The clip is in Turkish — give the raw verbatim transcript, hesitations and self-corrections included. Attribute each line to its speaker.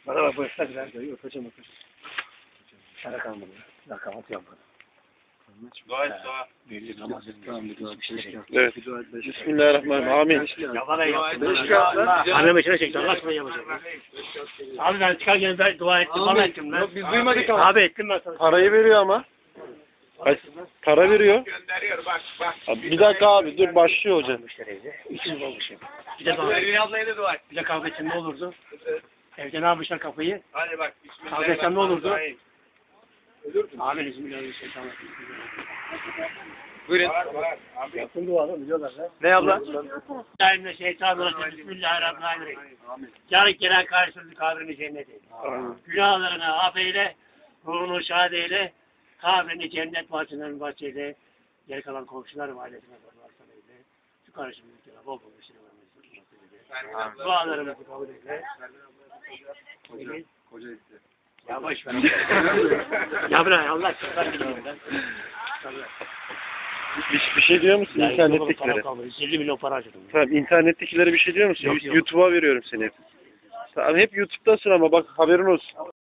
Speaker 1: Bana bak bu esnaf biraz da yok. Hocam otur. Sana kalmadı. Daha kahvaltı yapmadım.
Speaker 2: Dua et dua.
Speaker 1: Belli namazın bir
Speaker 3: Evet. Bismillahirrahmanirrahim. Amin.
Speaker 1: Ya bana yaptın.
Speaker 2: Beş kağıt lan.
Speaker 1: Anneme içine çekti. Allah aşkına yapacağım. Abi ben çıkarken ben dua ettim. Bana ettim lan.
Speaker 2: Biz duymadık ama.
Speaker 1: Abi ettim ben sana.
Speaker 3: Parayı veriyor ama. Kaç- Para veriyor.
Speaker 2: Gönderiyor bak bak.
Speaker 3: Abi bir dakika abi dur başlıyor hocam.
Speaker 1: Almışlar evde. İkimiz olmuş hep. Bir de kavga,
Speaker 2: Ergin ablaya da dua et.
Speaker 1: bir de kavga etsem ne olurdu? Evde ne yapmışlar kafayı?
Speaker 2: Hadi bak.
Speaker 1: Kavga etsem ne olurdu?
Speaker 2: Bismillahirrahmanirrahim.
Speaker 1: Abi bismillahirrahmanirrahim.
Speaker 2: Buyurun. Var var. Abi.
Speaker 1: Yaptım duanı biliyorlar lan.
Speaker 2: Ne abla?
Speaker 1: Bismillahirrahmanirrahim. Bismillahirrahmanirrahim. Yarın gelen karşılığı kabrini cennet eyle. Günahlarını affeyle, ruhunu şad eyle, kabrini cennet bahçelerini bahçeyle, geri kalan komşuları ve ailesine varsan eyle. Şu karşımızdaki bol bol işini vermesin. Dualarımızı kabul eyle.
Speaker 2: Koca isti.
Speaker 1: Ya boş ver. Ya bırak Allah aşkına gidiyorum ben.
Speaker 3: Bir, bir şey diyor musun
Speaker 1: Ya,
Speaker 3: internettekilere?
Speaker 1: yirmi milyon para harcadım.
Speaker 3: Tamam internettekilere bir şey diyor musun?
Speaker 1: Yok, yok.
Speaker 3: YouTube'a veriyorum seni hep. Tamam hep YouTube'dasın ama bak haberin olsun.